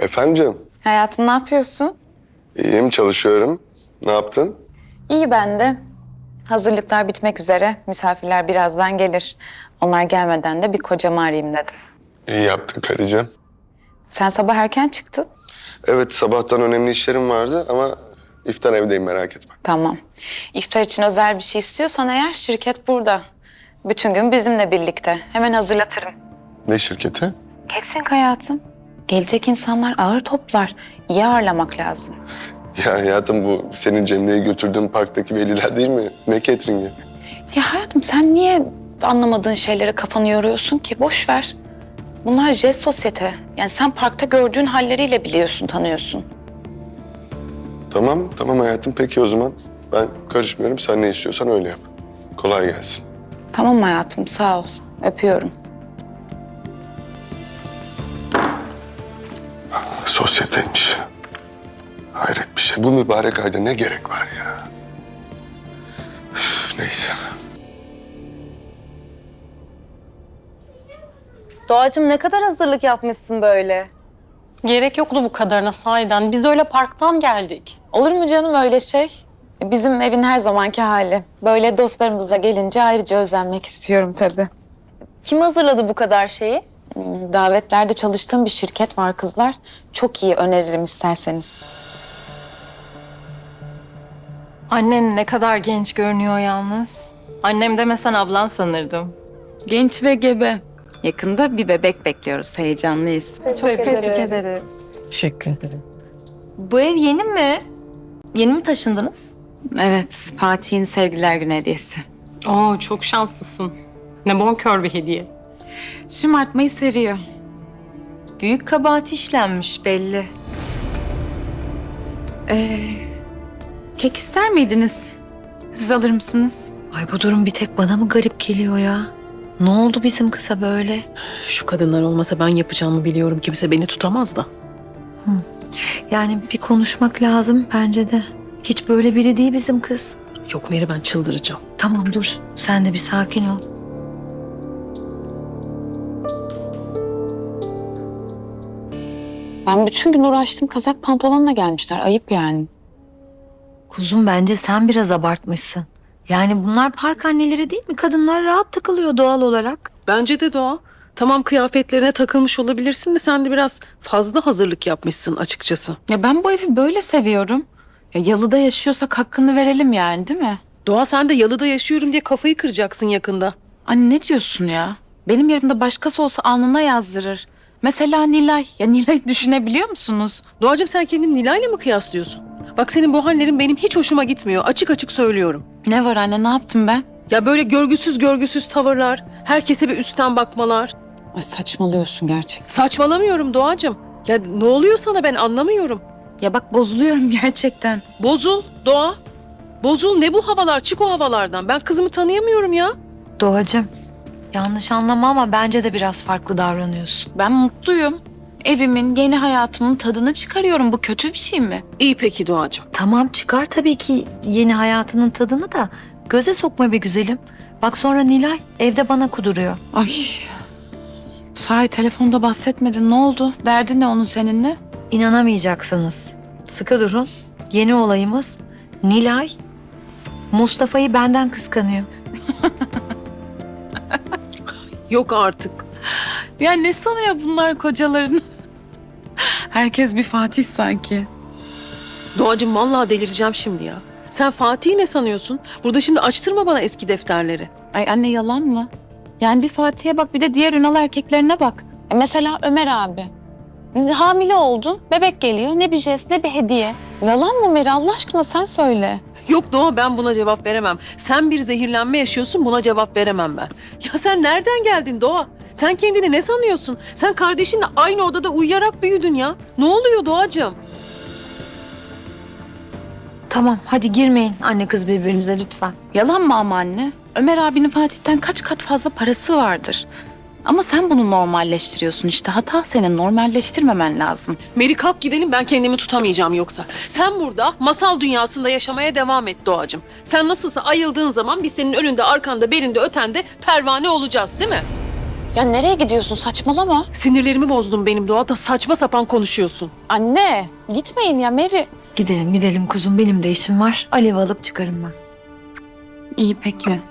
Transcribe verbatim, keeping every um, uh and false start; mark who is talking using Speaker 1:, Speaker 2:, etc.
Speaker 1: Efendim canım?
Speaker 2: Hayatım ne yapıyorsun?
Speaker 1: İyiyim, çalışıyorum. Ne yaptın?
Speaker 2: İyi ben de. Hazırlıklar bitmek üzere. Misafirler birazdan gelir. Onlar gelmeden de bir kocamı arayayım dedim.
Speaker 1: İyi yaptın karıcığım.
Speaker 2: Sen sabah erken çıktın.
Speaker 1: Evet, sabahtan önemli işlerim vardı ama iftar evdeyim, merak etme.
Speaker 2: Tamam. İftar için özel bir şey istiyorsan eğer şirket burada. Bütün gün bizimle birlikte. Hemen hazırlatırım.
Speaker 1: Ne şirketi?
Speaker 2: Catering hayatım. Gelecek insanlar ağır toplar. İyi ağırlamak lazım.
Speaker 1: Ya hayatım, bu senin Cemre'ye götürdüğün parktaki veliler değil mi? Ne catering'i?
Speaker 2: Ya hayatım sen niye anlamadığın şeylere kafanı yoruyorsun ki? Boş ver. Bunlar jest sosyete. Yani sen parkta gördüğün halleriyle biliyorsun, tanıyorsun.
Speaker 1: Tamam, tamam hayatım. Peki o zaman. Ben karışmıyorum. Sen ne istiyorsan öyle yap. Kolay gelsin.
Speaker 2: Tamam hayatım, sağ ol. Öpüyorum.
Speaker 1: Sosyeteymiş. Hayret bir şey. Bu mübarek ayda ne gerek var ya? Üf, neyse.
Speaker 3: Doğacığım ne kadar hazırlık yapmışsın böyle?
Speaker 4: Gerek yoktu bu kadarına sahiden. Biz öyle parktan geldik.
Speaker 2: Olur mu canım öyle şey? Bizim evin her zamanki hali. Böyle dostlarımızla gelince ayrıca özenmek istiyorum tabii.
Speaker 3: Kim hazırladı bu kadar şeyi?
Speaker 2: Hmm, Davetlerde çalıştığım bir şirket var kızlar. Çok iyi, öneririm isterseniz.
Speaker 5: Annen ne kadar genç görünüyor yalnız. Annem demesen ablan sanırdım.
Speaker 2: Genç ve gebe. Yakında bir bebek bekliyoruz, heyecanlıyız.
Speaker 5: Çok tebrik ederiz.
Speaker 6: Teşekkür ederim.
Speaker 5: Bu ev yeni mi? Yeni mi taşındınız?
Speaker 2: Evet, Fatih'in sevgililer günü hediyesi.
Speaker 4: Oo, çok şanslısın. Ne bonkör bir hediye.
Speaker 2: Şımartmayı seviyor.
Speaker 5: Büyük kabahat işlenmiş belli.
Speaker 2: Ee, kek ister miydiniz? Siz alır mısınız?
Speaker 6: Ay bu durum bir tek bana mı garip geliyor ya? Ne oldu bizim kıza böyle?
Speaker 7: Şu kadınlar olmasa ben yapacağımı biliyorum. Kimse beni tutamaz da.
Speaker 6: Yani bir konuşmak lazım bence de. Hiç böyle biri değil bizim kız.
Speaker 7: Yok Meri, ben çıldıracağım.
Speaker 6: Tamam dur, sen de bir sakin ol.
Speaker 2: Ben bütün gün uğraştım, kazak pantolonla gelmişler. Ayıp yani.
Speaker 6: Kuzum bence sen biraz abartmışsın. Yani bunlar park anneleri değil mi? Kadınlar rahat takılıyor doğal olarak.
Speaker 7: Bence de Doğa. Tamam, kıyafetlerine takılmış olabilirsin de sen de biraz fazla hazırlık yapmışsın açıkçası.
Speaker 2: Ya ben bu evi böyle seviyorum. Ya yalıda yaşıyorsak hakkını verelim yani, değil mi?
Speaker 7: Doğa, sen de yalıda yaşıyorum diye kafayı kıracaksın yakında.
Speaker 2: Anne ne diyorsun ya? Benim yerimde başkası olsa alnına yazdırır. Mesela Nilay. Ya Nilay'ı düşünebiliyor musunuz?
Speaker 7: Doğacığım, sen kendini Nilay'la mı kıyaslıyorsun? Bak, senin bu hallerin benim hiç hoşuma gitmiyor. Açık açık söylüyorum.
Speaker 2: Ne var anne, ne yaptım ben?
Speaker 7: Ya böyle görgüsüz görgüsüz tavırlar, herkese bir üstten bakmalar.
Speaker 2: Ay saçmalıyorsun gerçekten.
Speaker 7: Saçmalamıyorum Doğacığım. Ya ne oluyor sana, ben anlamıyorum.
Speaker 2: Ya bak bozuluyorum gerçekten.
Speaker 7: Bozul Doğa. Bozul, ne bu havalar? Çık o havalardan. Ben kızımı tanıyamıyorum ya.
Speaker 6: Doğacığım, yanlış anlama ama bence de biraz farklı davranıyorsun.
Speaker 2: Ben mutluyum. Evimin, yeni hayatımın tadını çıkarıyorum. Bu kötü bir şey mi?
Speaker 7: İyi peki Doğacığım.
Speaker 6: Tamam çıkar tabii ki yeni hayatının tadını da göze sokma be güzelim. Bak sonra Nilay evde bana kuduruyor.
Speaker 2: Ay. Sahi telefonda bahsetmedin. Ne oldu? Derdi ne onun seninle?
Speaker 6: İnanamayacaksınız. Sıkı durun. Yeni olayımız Nilay Mustafa'yı benden kıskanıyor.
Speaker 7: Yok artık.
Speaker 2: Ya ne sanıyor bunlar kocalarını? Herkes bir Fatih sanki.
Speaker 7: Doğacığım, vallahi delireceğim şimdi ya. Sen Fatih'i ne sanıyorsun? Burada şimdi açtırma bana eski defterleri.
Speaker 2: Ay anne yalan mı? Yani bir Fatih'e bak, bir de diğer Ünal erkeklerine bak. E mesela Ömer abi. Hamile oldun, bebek geliyor. Ne bir jest, ne bir hediye. Yalan mı Meri? Allah aşkına sen söyle.
Speaker 7: Yok Doğa, ben buna cevap veremem. Sen bir zehirlenme yaşıyorsun, buna cevap veremem ben. Ya sen nereden geldin Doğa? Sen kendini ne sanıyorsun? Sen kardeşinle aynı odada uyuyarak büyüdün ya. Ne oluyor Doğacığım?
Speaker 6: Tamam hadi girmeyin anne kız birbirinize lütfen.
Speaker 2: Yalan mı ama anne? Ömer abinin Fatih'ten kaç kat fazla parası vardır. Ama sen bunu normalleştiriyorsun işte. Hata senin, normalleştirmemen lazım.
Speaker 7: Meri kalk gidelim, ben kendimi tutamayacağım yoksa. Sen burada masal dünyasında yaşamaya devam et Doğacığım. Sen nasılsa ayıldığın zaman biz senin önünde, arkanda, belinde, ötende pervane olacağız değil mi?
Speaker 2: Ya nereye gidiyorsun? Saçmalama.
Speaker 7: Sinirlerimi bozdun benim Doğa da saçma sapan konuşuyorsun.
Speaker 2: Anne gitmeyin ya Mary.
Speaker 6: Gidelim gidelim kuzum, benim de işim var. Alev alıp çıkarım ben.
Speaker 2: İyi peki.